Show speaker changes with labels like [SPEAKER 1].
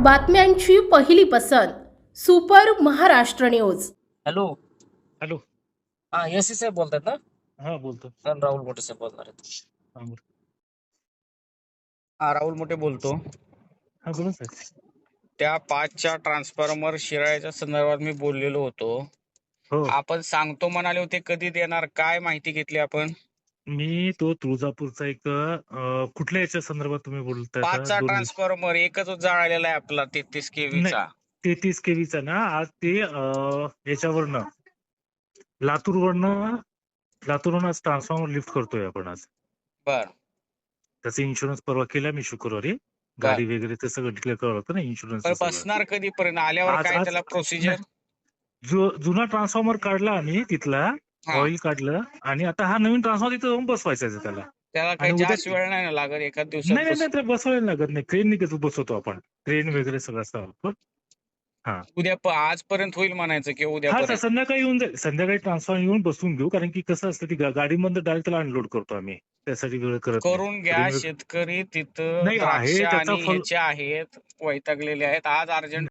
[SPEAKER 1] बातम्यांची पहिली पसंत super Maharashtra news.
[SPEAKER 2] Hello.
[SPEAKER 3] Hello.
[SPEAKER 2] हा एस साहेब बोलतात ना?
[SPEAKER 3] हा बोलतो.
[SPEAKER 2] राहुल मोठे साहेब बोलणार आहेत.
[SPEAKER 3] हा बोल.
[SPEAKER 4] हा राहुल मोठे बोलतो.
[SPEAKER 3] हा बोला साहेब.
[SPEAKER 4] त्या 5च्या ट्रान्सफॉर्मर शिराळ्याच्या संदर्भात मी बोललेलो होतो.
[SPEAKER 3] हो,
[SPEAKER 4] आपण सांगतो म्हणाले होते, कधी देणार, काय माहिती घेतली आपण?
[SPEAKER 3] मी तो तुळजापूरचा एक कुठल्या याच्या संदर्भात तुम्ही बोलताय?
[SPEAKER 4] 5चा ट्रान्सफॉर्मर एकच जाळलेला आहे आपला 33 केव्हीचा.
[SPEAKER 3] 33 केवीचा ना. आज ते याच्यावरनं लातूरवरनं आज ट्रान्सफॉर्मर लिफ्ट करतोय आपण आज.
[SPEAKER 4] बर
[SPEAKER 3] त्याचा इन्शुरन्स परवा केला मी शुक्रवारी. गाडी वगैरे ते सगळं डिक्लेअर करावं लागतं ना, इन्शुरन्स.
[SPEAKER 4] पण बसणार कधीपर्यंत? आल्यावर
[SPEAKER 3] आज-
[SPEAKER 4] काय
[SPEAKER 3] आज-
[SPEAKER 4] त्याला प्रोसिजर?
[SPEAKER 3] जुना ट्रान्सफॉर्मर काढला आम्ही तिथला, ऑइल काढलं, आणि आता हा नवीन ट्रान्सफॉर्मर तिथं जाऊन बसवायचा आहे त्याला.
[SPEAKER 4] त्याला काही
[SPEAKER 3] आणि उद्या
[SPEAKER 4] जास्त वेळ नाही ना लागत, एका
[SPEAKER 3] नाही
[SPEAKER 4] दिवसात
[SPEAKER 3] नाही नाही, ते बसवायला लागत नाही. क्रेन कसं बसवतो आपण, क्रेन वगैरे सगळं असतं आपण.
[SPEAKER 4] आजपर्यंत होईल म्हणायचं की
[SPEAKER 3] हा
[SPEAKER 4] उद्यापर्यंत?
[SPEAKER 3] संध्याकाळी येऊन जाईल. संध्याकाळी ट्रान्सफॉर्मर येऊन बसून घेऊ, कारण की कसं असतं, ती गाडीमध्ये डायरेक्ट त्याला अनलोड करतो आम्ही. त्यासाठी वेळ करत नाही.
[SPEAKER 4] करून घ्या. शेतकरी तिथं
[SPEAKER 3] नाही, आहे
[SPEAKER 4] द्राक्ष
[SPEAKER 3] त्याचा
[SPEAKER 4] आणि ह्याचे आहेत, वैतागलेले आहेत. आज अर्जंट